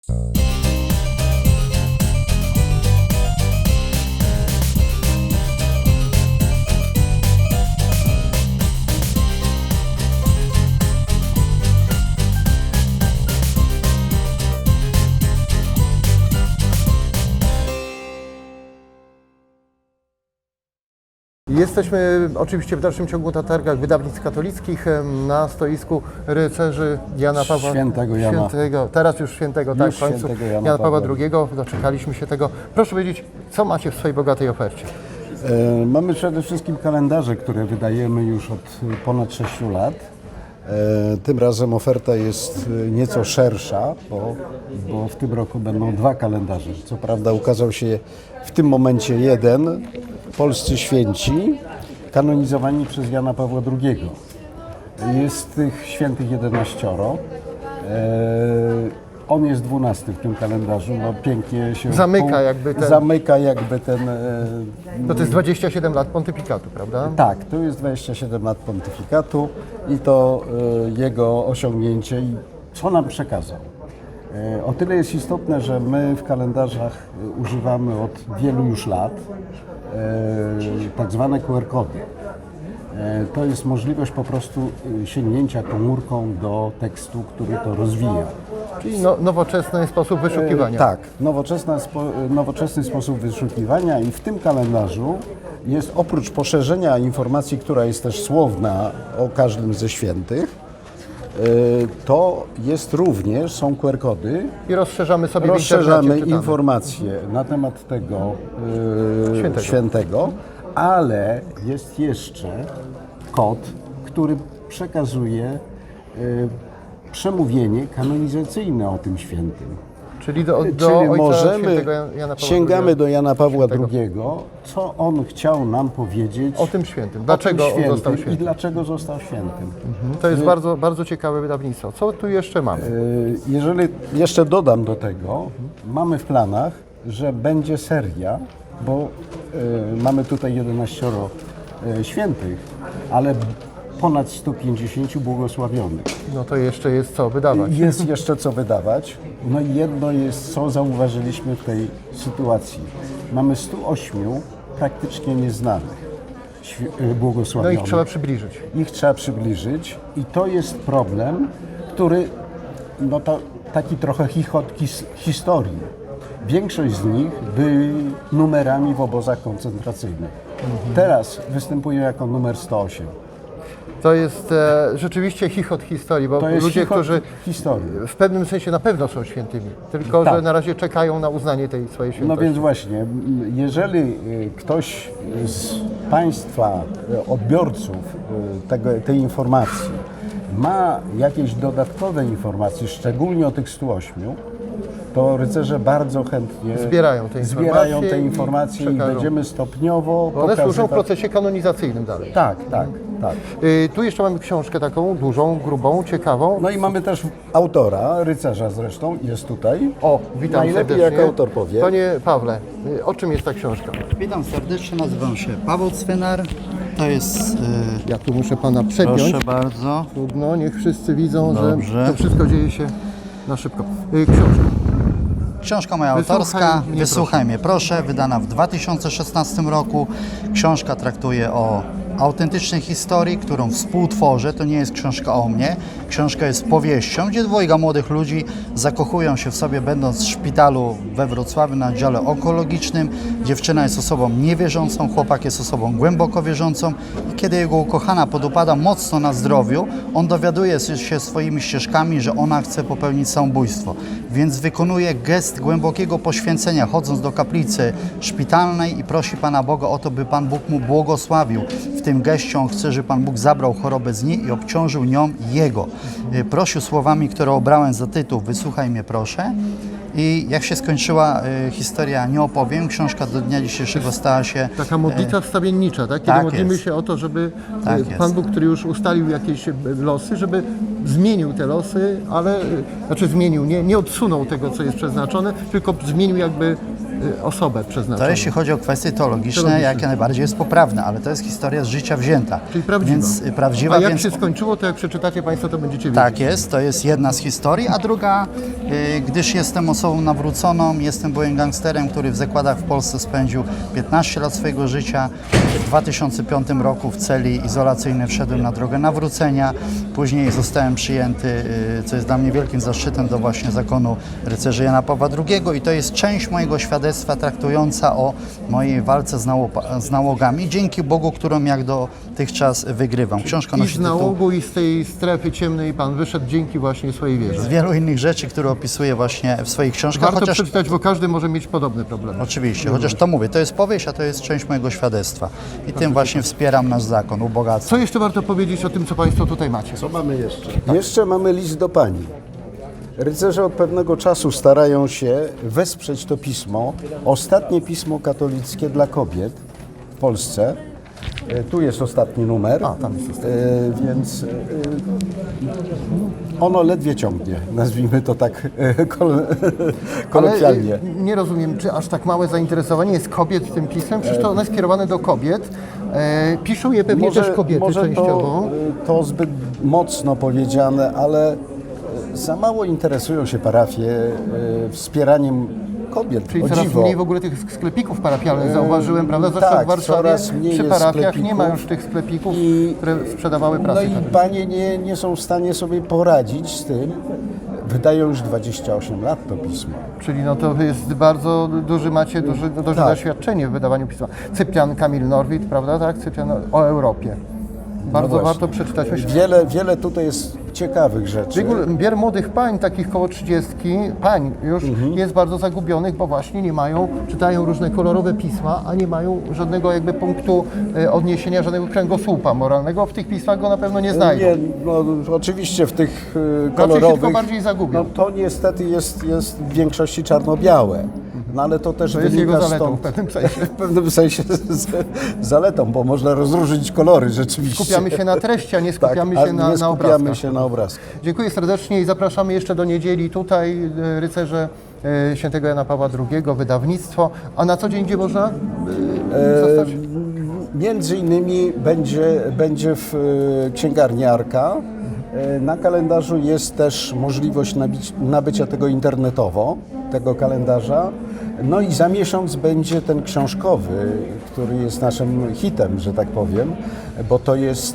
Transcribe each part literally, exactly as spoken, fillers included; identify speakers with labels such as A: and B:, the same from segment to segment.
A: Jesteśmy oczywiście w dalszym ciągu na targach wydawnictw katolickich na stoisku rycerzy Jana Pawła
B: Świętego Jana.
A: Świętego, teraz już świętego, tak,
B: Już
A: w końcu
B: świętego
A: Jana,
B: Jana
A: Jana Pawła
B: Pawła
A: drugiego. Doczekaliśmy się tego. Proszę powiedzieć, co macie w swojej bogatej ofercie?
B: E, mamy przede wszystkim kalendarze, które wydajemy już od ponad sześciu lat. E, tym razem oferta jest nieco szersza, bo, bo w tym roku będą dwa kalendarze. Co prawda ukazał się w tym momencie jeden, Polscy Święci, kanonizowani przez Jana Pawła drugiego. Jest tych świętych jedenaścioro. E, On jest dwunasty w tym kalendarzu, no pięknie się
A: Zamyka
B: pół-
A: jakby ten-
B: zamyka jakby ten e,
A: No to jest dwadzieścia siedem lat pontyfikatu, prawda?
B: tak, to jest dwadzieścia siedem lat pontyfikatu i to e, jego osiągnięcie i co nam przekazał. E, o tyle jest istotne, że my w kalendarzach e, używamy od wielu już lat e, tak zwane Q R kody. E, to jest możliwość po prostu e, sięgnięcia komórką do tekstu, który to rozwija.
A: Czyli no, nowoczesny sposób wyszukiwania.
B: E, tak, nowoczesna spo, nowoczesny sposób wyszukiwania i w tym kalendarzu jest oprócz poszerzenia informacji, która jest też słowna o każdym ze świętych, e, to jest również, są Q R kody,
A: I rozszerzamy sobie w
B: rozszerzamy
A: internecie, czytamy.
B: informacje na temat tego e,
A: Świętego.
B: świętego, ale jest jeszcze kod, który przekazuje e, przemówienie kanonizacyjne o tym świętym.
A: Czyli do, do
B: Czyli
A: ojca
B: możemy,
A: świętego Jana Pawła
B: sięgamy
A: drugiego.
B: do Jana Pawła
A: Świętego.
B: drugiego, co on chciał nam powiedzieć
A: O tym świętym.
B: o
A: Dlaczego
B: tym
A: on
B: świętym
A: został
B: i
A: świętym?
B: dlaczego został świętym.
A: To jest bardzo, bardzo ciekawe wydawnictwo. Co tu jeszcze mamy?
B: Y, Jeżeli jeszcze dodam do tego, mamy w planach, że będzie seria, bo y, mamy tutaj jedenaścioro y, świętych, ale ponad sto pięćdziesięciu błogosławionych.
A: No to jeszcze jest co wydawać.
B: Jest jeszcze co wydawać. No i jedno jest, co zauważyliśmy w tej sytuacji. Mamy stu ośmiu praktycznie nieznanych świ- y,
A: No
B: błogosławionych.
A: ich trzeba przybliżyć.
B: Ich trzeba przybliżyć i to jest problem, który, no to taki trochę chichot his, historii. Większość z nich byli numerami w obozach koncentracyjnych. Teraz występują jako numer sto osiem.
A: To jest e, rzeczywiście chichot historii, bo
B: To jest
A: ludzie,
B: chichot
A: którzy
B: historii.
A: w pewnym sensie na pewno są świętymi, tylko
B: Tak.
A: że na razie czekają na uznanie tej swojej
B: No
A: świętości.
B: więc właśnie, m, jeżeli y, ktoś z Państwa y, odbiorców y, tego, tej informacji ma jakieś dodatkowe informacje, szczególnie o tych stu ośmiu, to rycerze bardzo chętnie
A: Zbierają te
B: zbierają
A: informacje
B: te
A: i
B: informacje i,
A: przekażą.
B: będziemy stopniowo
A: Bo one służą w
B: pokazywać.
A: procesie kanonizacyjnym dalej.
B: Tak, tak, tak.
A: Y, tu jeszcze mamy książkę taką dużą, grubą, ciekawą.
B: No i mamy też autora, rycerza zresztą, jest tutaj.
A: O, witam
B: Najlepiej
A: serdecznie.
B: jak autor powie.
A: Panie Pawle, y, o czym jest ta książka?
C: Witam serdecznie, nazywam się Paweł Cwynar. To jest,
A: Ja tu muszę pana
C: e,
A: przepiąć.
C: proszę bardzo,
A: Trudno, niech wszyscy widzą,
C: Dobrze.
A: że to wszystko dzieje się na szybko. Y, książka.
C: książka moja
A: Wysłuchaj
C: autorska,
A: mnie
C: Wysłuchaj mnie proszę, wydana w dwa tysiące szesnastym roku. Książka traktuje o autentycznej historii, którą współtworzę. To nie jest książka o mnie. Książka jest powieścią, gdzie dwojga młodych ludzi zakochują się w sobie, będąc w szpitalu we Wrocławiu na oddziale onkologicznym. Dziewczyna jest osobą niewierzącą, chłopak jest osobą głęboko wierzącą. I kiedy jego ukochana podupada mocno na zdrowiu, on dowiaduje się swoimi ścieżkami, że ona chce popełnić samobójstwo. Więc wykonuje gest głębokiego poświęcenia, chodząc do kaplicy szpitalnej i prosi Pana Boga o to, by Pan Bóg mu błogosławił. W tym geście on chce, żeby Pan Bóg zabrał chorobę z niej i obciążył nią jego. Y, Prosił słowami, które obrałem za tytuł Wysłuchaj mnie proszę. I jak się skończyła y, historia, nie opowiem. Książka do dnia dzisiejszego stała się...
A: Taka modlitwa wstawiennicza, tak? Kiedy
C: tak
A: modlimy
C: jest.
A: się o to, żeby
C: Tak
A: y,
C: jest.
A: Pan Bóg, który już ustalił jakieś y, losy, żeby zmienił te losy, ale y, znaczy zmienił, nie, nie odsunął tego, co jest przeznaczone, tylko zmienił jakby y, osobę przeznaczoną.
C: To jeśli chodzi o kwestie teologiczne,
A: Teologiczne.
C: jak najbardziej jest poprawne, ale to jest historia z życia wzięta.
A: Czyli prawdziwa.
C: Więc, y, prawdziwa,
A: A jak
C: więc
A: się skończyło, to jak przeczytacie Państwo, to będziecie wiedzieć.
C: tak jest, to jest jedna z historii, a druga, y, gdyż jestem osobą nawróconą, jestem byłym gangsterem, który w zakładach w Polsce spędził piętnaście lat swojego życia. W dwa tysiące piątym roku w celi izolacyjnej wszedłem na drogę nawrócenia, później zostałem przyjęty, y, co jest dla mnie wielkim zaszczytem, do właśnie zakonu rycerzy Jana Pawła drugiego i to jest część mojego świadectwa traktująca o mojej walce z, nało- z nałogami, dzięki Bogu, którą jak dotychczas wygrywam. Książka
A: I
C: nosi
A: z
C: tytuł
A: nałogu, i z tej strefy ciemnej Pan wyszedł dzięki właśnie swojej wierze.
C: z wielu innych rzeczy, które opisuję właśnie w swoich książkach,
A: Warto
C: chociaż
A: przeczytać, bo każdy może mieć podobne problemy.
C: oczywiście, chociaż to mówię, to jest powieść, a to jest część mojego świadectwa i tym właśnie wspieram nasz zakon, ubogacam.
A: Co jeszcze warto powiedzieć o tym, co Państwo tutaj macie?
B: Co mamy jeszcze? Jeszcze mamy list do pani. Rycerze od pewnego czasu starają się wesprzeć to pismo, ostatnie pismo katolickie dla kobiet w Polsce. E, Tu jest ostatni numer,
A: A, tam jest ostatni.
B: E, więc e, ono ledwie ciągnie, nazwijmy to tak e, kol-
A: Ale
B: kolokwialnie.
A: y, nie rozumiem, czy aż tak małe zainteresowanie jest kobiet tym pismem? Przecież to ono jest skierowane do kobiet. E, piszą je pewnie też kobiety
B: może
A: częściowo.
B: To, to zbyt mocno powiedziane, ale za mało interesują się parafie e, wspieraniem kobiet.
A: Czyli
B: o
A: coraz
B: dziwo.
A: mniej w ogóle tych sklepików parafialnych zauważyłem, prawda? Zresztą
B: tak,
A: w Warszawie
B: coraz mniej
A: przy
B: jest
A: parafiach nie ma
B: sklepików.
A: już tych sklepików,
B: I-
A: które sprzedawały
B: No
A: prasę
B: i
A: katolicką.
B: panie nie, nie są w stanie sobie poradzić z tym. Wydają już dwadzieścia osiem lat to pismo.
A: Czyli no to jest bardzo duży, macie duży, duże
B: Tak.
A: doświadczenie w wydawaniu pisma. Cyprian Kamil Norwid, prawda? Tak, Cyprian o Europie. Bardzo
B: No właśnie.
A: warto przeczytać. Myślę,
B: Wiele, wiele tutaj jest ciekawych rzeczy.
A: Biegul- Bier młodych pań, takich koło trzydziestki, pań już
B: Mhm.
A: jest bardzo zagubionych, bo właśnie nie mają, czytają różne kolorowe pisma, a nie mają żadnego jakby punktu e, odniesienia, żadnego kręgosłupa moralnego. W tych pismach go na pewno nie znajdą.
B: Nie, no, oczywiście w tych y,
A: się
B: kolorowych,
A: tylko bardziej zagubią.
B: no to niestety jest, jest w większości czarno-białe. No ale to też
A: To jest
B: wynika
A: jego zaletą
B: stąd,
A: w pewnym sensie.
B: w pewnym sensie z, z, zaletą, bo można rozróżnić kolory rzeczywiście.
A: Skupiamy się na treści, a nie
B: tak,
A: skupiamy
B: a
A: się na,
B: nie
A: na
B: skupiamy
A: obrazkach.
B: się na obrazkach.
A: Dziękuję serdecznie i zapraszamy jeszcze do niedzieli tutaj, e, rycerze e, świętego Jana Pawła drugiego, wydawnictwo. A na co dzień gdzie można e, zostać?
B: Między innymi będzie, będzie w e, księgarni Arka. E, Na kalendarzu jest też możliwość nabić, nabycia tego internetowo, tego kalendarza. No i za miesiąc będzie ten książkowy, który jest naszym hitem, że tak powiem, bo to jest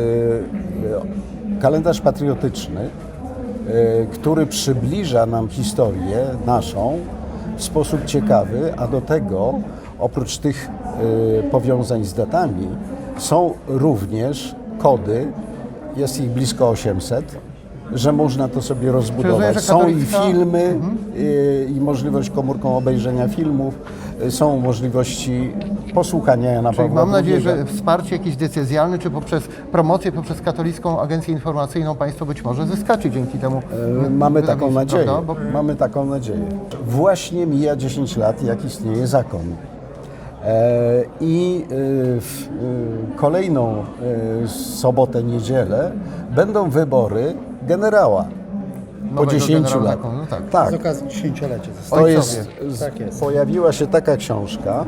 B: e, kalendarz patriotyczny, e, który przybliża nam historię naszą w sposób ciekawy, a do tego oprócz tych e, powiązań z datami są również kody, jest ich blisko osiemset, że można to sobie rozbudować.
A: że
B: Są i
A: katolicka-
B: filmy, y, i możliwość komórką obejrzenia filmów, y, są możliwości posłuchania Jana
A: Czyli
B: Pawła
A: mam nadzieję,
B: drugiego.
A: że wsparcie jakieś decyzjalne, czy poprzez promocję, poprzez Katolicką Agencję Informacyjną Państwo być może zyskacie dzięki temu.
B: Y, Mamy taką
A: wydawnictwu,
B: nadzieję.
A: prawda? Bo
B: Mamy taką nadzieję. Właśnie mija dziesięć lat, jak istnieje zakon. E, I y, w y, kolejną y, sobotę, niedzielę będą wybory generała. Po
A: Nowego
B: dziesięciu
A: generała
B: latach.
A: zakonu, tak.
B: tak.
C: Z okazji dziesięciolecia.
B: To
A: Ojcowie.
B: jest, z,
C: Tak jest.
B: pojawiła się taka książka,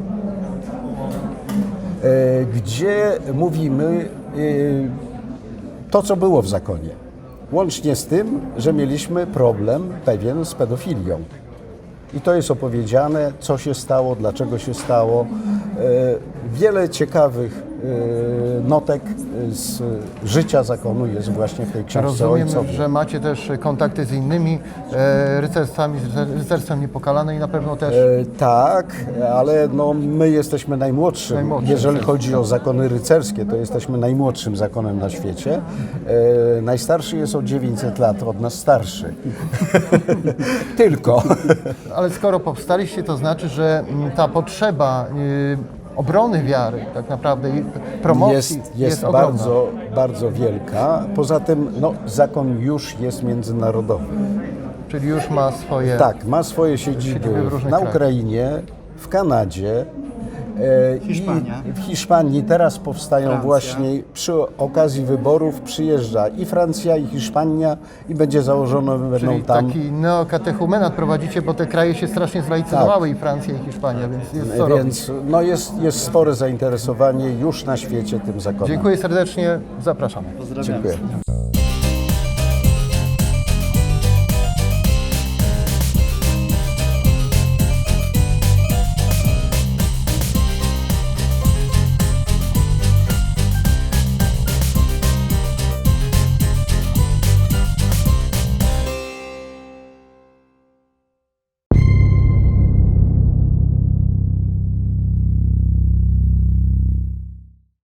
B: e, gdzie mówimy e, to, co było w zakonie. Łącznie z tym, że mieliśmy problem pewien z pedofilią. I to jest opowiedziane, co się stało, dlaczego się stało. E, Wiele ciekawych e, notek z życia zakonu jest właśnie w tej książce
A: Rozumiem,
B: Ojcowie.
A: że macie też kontakty z innymi e, rycerstwami, z rycerstwem Niepokalanej i na pewno też
B: E, tak, ale no, my jesteśmy najmłodszym.
A: Najmłodszym,
B: Jeżeli
A: tak.
B: chodzi o zakony rycerskie, to jesteśmy najmłodszym zakonem na świecie. E, najstarszy jest o dziewięćset lat, od nas starszy. Tylko.
A: ale skoro powstaliście, to znaczy, że mm, ta potrzeba y, obrony wiary tak naprawdę i promocji
B: Jest, jest
A: ogromna.
B: bardzo, bardzo wielka. Poza tym no, zakon już jest międzynarodowy.
A: Czyli już ma swoje...
B: Tak, ma swoje siedziby
A: Siedziby w różnych
B: na
A: krajach.
B: Ukrainie, w Kanadzie, E,
C: Hiszpania.
B: I w Hiszpanii teraz powstają
C: Francja.
B: właśnie przy okazji wyborów przyjeżdża i Francja, i Hiszpania i będzie założone, będą
A: Czyli
B: tam.
A: taki neokatechumenat prowadzicie, bo te kraje się strasznie zlaicyzowały, i Francja, i Hiszpania, więc jest co robić.
B: Więc no jest, jest spore zainteresowanie już na świecie tym zakonem.
A: Dziękuję serdecznie, zapraszamy.
C: Pozdrawiam.
B: Dziękuję.